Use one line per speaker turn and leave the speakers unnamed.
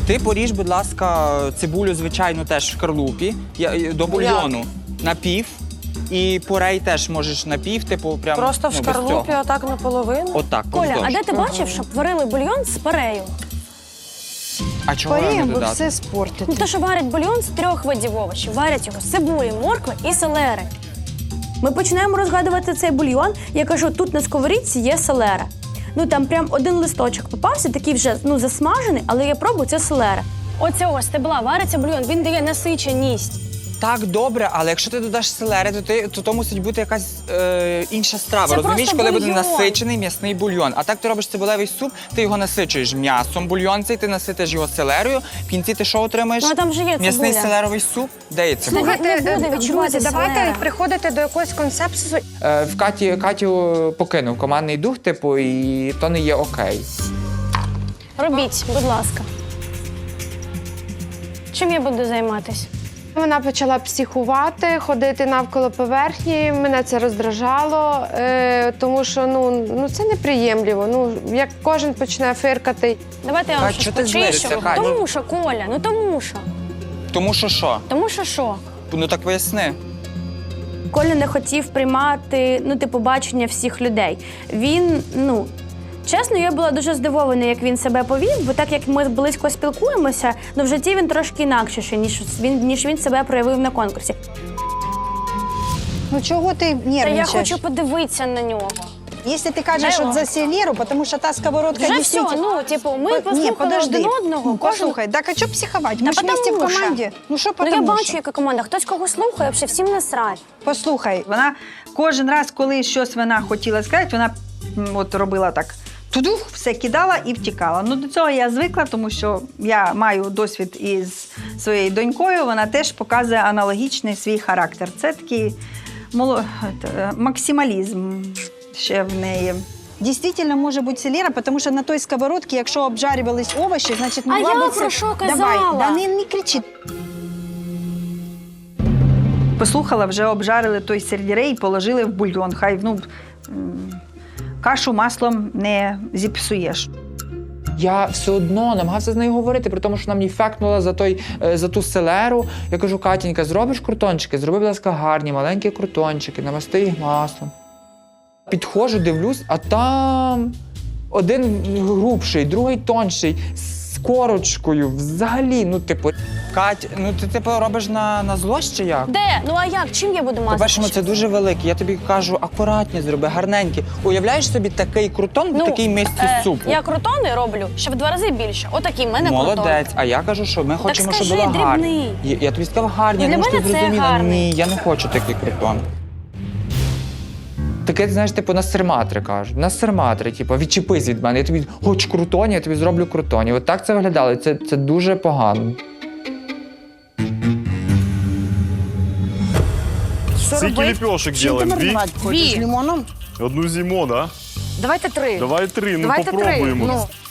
Ти поріж, будь ласка, цибулю, звичайно, теж в шкарлупі, до бульйону на пів. І порей теж можеш на пів, типу, прям,
Просто в
без
шкарлупі
цього.
отак наполовину?
Отак,
Коля,
поздовж.
а де ти бачив, щоб варили бульйон з парею?
А чого не
Паріємо, бо
додати?
все спортити.
Ну, то, що варять бульйон з 3 видів овочів. Варять його з цибулі, моркви і селери. Ми починаємо розгадувати цей бульйон. Я кажу, тут на сковорідці є селера. Ну, там прям один листочок попався, такий вже, засмажений, але я пробую, це селера. Оцього стебла вариться бульйон, він дає насиченість.
Так, добре, але якщо ти додаш селери, то мусить бути якась інша страва.
Це
Розумієш,
просто
коли буде
бульйон.
насичений м'ясний бульйон. А так ти робиш цибулевий суп, ти його насичуєш м'ясом бульйон цей, ти наситиш його селерою, в кінці ти що отримаєш?
Ну, а там же є
м'ясний
цибуля.
селеровий суп? Де є цибуля?
Слухай, не буде відчувати
друзі, давайте
селера.
приходити до якогось консенсусу.
В Катю покинув командний дух, типу, і то не є окей.
Робіть, будь ласка. Чим я буду займатися?
Вона почала психувати, ходити навколо поверхні. Мене це роздражало, тому що це неприємливо. Як кожен почне фиркати.
Давайте я вам
Кать,
щось
чого ти злишся,
почищу.
Кать?
Тому що, Коля, тому що.
Тому що що?
Тому що що?
Ну так поясни.
Коля не хотів приймати, бачення всіх людей. Він, чесно, я була дуже здивована, як він себе повів, бо так як ми близько спілкуємося, в житті він трошки інакший, ніж він себе проявив на конкурсі.
Ну чого ти
Та я
нервничаєш?
хочу подивитися на нього.
Якщо ти кажеш
Дай
от за селеру, тому що та сковородка
Вже
дійсно...
все, ми послухали один одного.
Послухай, так а що психувати? Ми ж
потому
вместе в
що.
команді. Ну що
Ну я
потому
бачу,
що?
яка команда. Хтось кого слухає, взагалі всім насрать.
Послухай, вона кожен раз, коли щось вона хотіла сказати, вона от робила так. Тудух, все кидала і втікала. Ну, до цього я звикла, тому що я маю досвід із своєю донькою, вона теж показує аналогічний свій характер. Це такий максималізм ще в неї. Дійсно, може бути селера, тому що на той сковородці, якщо обжарювались овочі, значить могла
я
бути...
про що казала?
Давай, не кричи. Послухала, вже обжарили той сельдерей і положили в бульйон. Хай, кашу маслом не зіпсуєш.
Я все одно намагався з нею говорити, при тому, що вона мені фекнула за ту селеру. Я кажу, Катінька, зробиш крутончики? Зроби, будь ласка, гарні, маленькі крутончики, намасти їх маслом. Підходжу, дивлюсь, а там один грубший, другий тонший, з корочкою, взагалі,
Кать, ти робиш на злость чи як?
Де? Ну а як? Чим я буду мазати?
По-перше, це дуже великий. Я тобі кажу, акуратні зроби, гарненькі. Уявляєш собі такий крутон в такій мисці супу?
Я крутони роблю ще в 2 рази більше. Отакий в мене крутон.
Молодець. А я кажу, що ми хочемо, щоб
скажи,
було гарно.
дрібний.
Я тобі сказав гарні,
Для
я думаю, що ти
мене це
зрозуміла.
гарний.
Ні, я не хочу такий крутон.
Таке, знаєш, на серматри кажуть. На серматри, відчепись від мене, я тобі хочу крутоні, я тобі зроблю крутоні. От так це виглядало, це дуже погано.
Скільки ліпешок делаем?
Хочеш, лимоном?
Одну зиму, да?
Давайте 3.
Давай 3,
Давайте 3.
попробуємо.